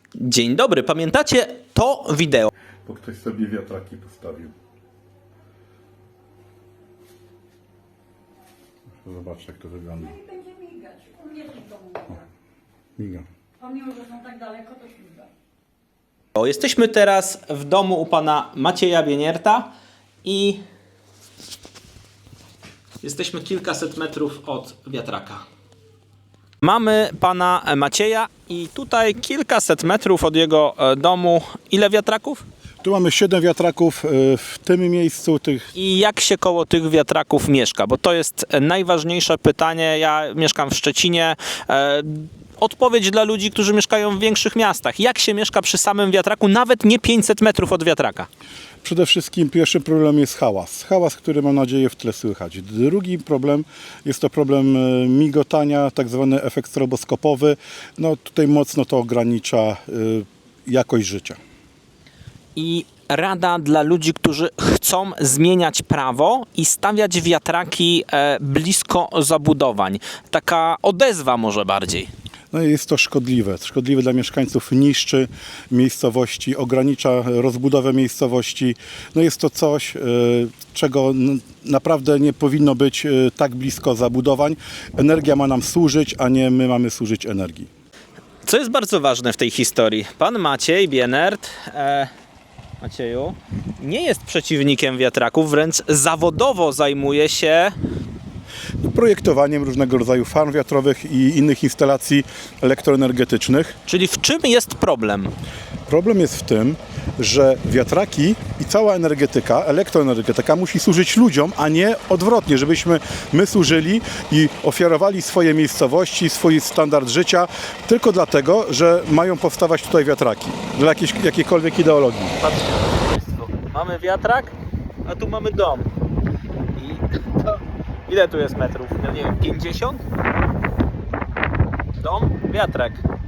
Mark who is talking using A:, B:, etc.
A: Dzień dobry, pamiętacie to wideo?
B: Bo ktoś sobie wiatraki postawił. Zobaczcie, jak to wygląda.
C: No i będzie migać. U mnie też to miga.
B: Miga.
C: Pomimo, że są tak daleko, to śmiga.
A: Jesteśmy teraz w domu u pana Macieja Bienierta i jesteśmy kilkaset metrów od wiatraka. Mamy pana Macieja i tutaj kilkaset metrów od jego domu. Ile wiatraków?
B: Tu mamy 7 wiatraków w tym miejscu.
A: I jak się koło tych wiatraków mieszka? Bo to jest najważniejsze pytanie. Ja mieszkam w Szczecinie. Odpowiedź dla ludzi, którzy mieszkają w większych miastach. Jak się mieszka przy samym wiatraku, nawet nie 500 metrów od wiatraka?
B: Przede wszystkim pierwszy problem jest hałas. Hałas, który mam nadzieję w tle słychać. Drugi problem jest to problem migotania, tak zwany efekt stroboskopowy. No tutaj mocno to ogranicza jakość życia.
A: I rada dla ludzi, którzy chcą zmieniać prawo i stawiać wiatraki blisko zabudowań. Taka odezwa może bardziej.
B: No i jest to szkodliwe. Szkodliwe dla mieszkańców, niszczy miejscowości, ogranicza rozbudowę miejscowości. No jest to coś, czego naprawdę nie powinno być tak blisko zabudowań. Energia ma nam służyć, a nie my mamy służyć energii.
A: Co jest bardzo ważne w tej historii? Pan Maciej Bienert, Macieju, nie jest przeciwnikiem wiatraków, wręcz zawodowo zajmuje się
B: Projektowaniem różnego rodzaju farm wiatrowych i innych instalacji elektroenergetycznych.
A: Czyli w czym jest problem?
B: Problem jest w tym, że wiatraki i cała energetyka, elektroenergetyka musi służyć ludziom, a nie odwrotnie, żebyśmy my służyli i ofiarowali swoje miejscowości, swój standard życia tylko dlatego, że mają powstawać tutaj wiatraki dla jakiejkolwiek ideologii.
A: Patrzcie Państwo, mamy wiatrak, a tu mamy dom. I to, ile tu jest metrów? No nie wiem, 50? Dom, wiatrak.